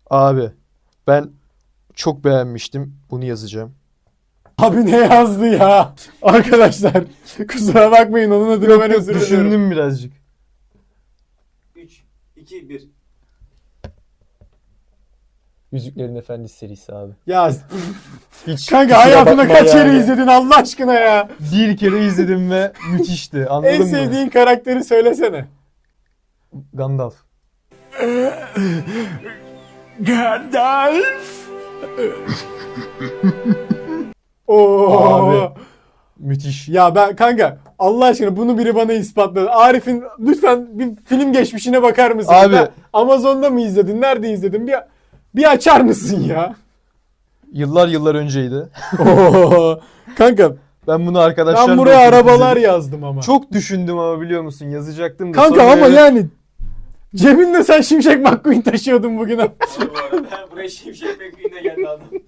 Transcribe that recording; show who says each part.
Speaker 1: Abi ben çok beğenmiştim. Bunu yazacağım.
Speaker 2: Abi ne yazdı ya? Arkadaşlar kusura bakmayın, onun adına
Speaker 1: Yok
Speaker 2: ben
Speaker 1: yok
Speaker 2: özür diliyorum.
Speaker 1: düşündüm birazcık.
Speaker 3: 3, 2, 1.
Speaker 4: Yüzüklerin Efendisi serisi abi.
Speaker 2: Ya
Speaker 1: Hiç
Speaker 2: kanka
Speaker 4: Kusura
Speaker 2: hayatında
Speaker 4: bakma
Speaker 2: kaç kere
Speaker 4: yani.
Speaker 2: izledin Allah aşkına ya?
Speaker 1: bir kere izledim ve müthişti. Anladın
Speaker 2: En
Speaker 1: mı?
Speaker 2: sevdiğin karakteri söylesene.
Speaker 1: Gandalf.
Speaker 2: Oo.
Speaker 1: Abi. Müthiş.
Speaker 2: Ya ben kanka Allah aşkına bunu biri bana ispatladı. Arif'in lütfen bir film geçmişine bakar mısın?
Speaker 1: Abi.
Speaker 2: Ben Amazon'da mı izledin? Nerede izledin? Bir açar mısın ya?
Speaker 1: Yıllar yıllar önceydi.
Speaker 2: Oo. Kanka
Speaker 1: Ben bunu arkadaşlarla
Speaker 2: ben buraya
Speaker 1: oturup
Speaker 2: arabalar
Speaker 1: izledim.
Speaker 2: yazdım ama.
Speaker 1: Çok düşündüm ama biliyor musun? Yazacaktım da.
Speaker 2: Kanka
Speaker 1: sonra
Speaker 2: ama
Speaker 1: öyle-
Speaker 2: yani cebinde sen Şimşek McQueen taşıyordun bugün.
Speaker 3: Bu arada buraya Şimşek McQueen'e geldi adam.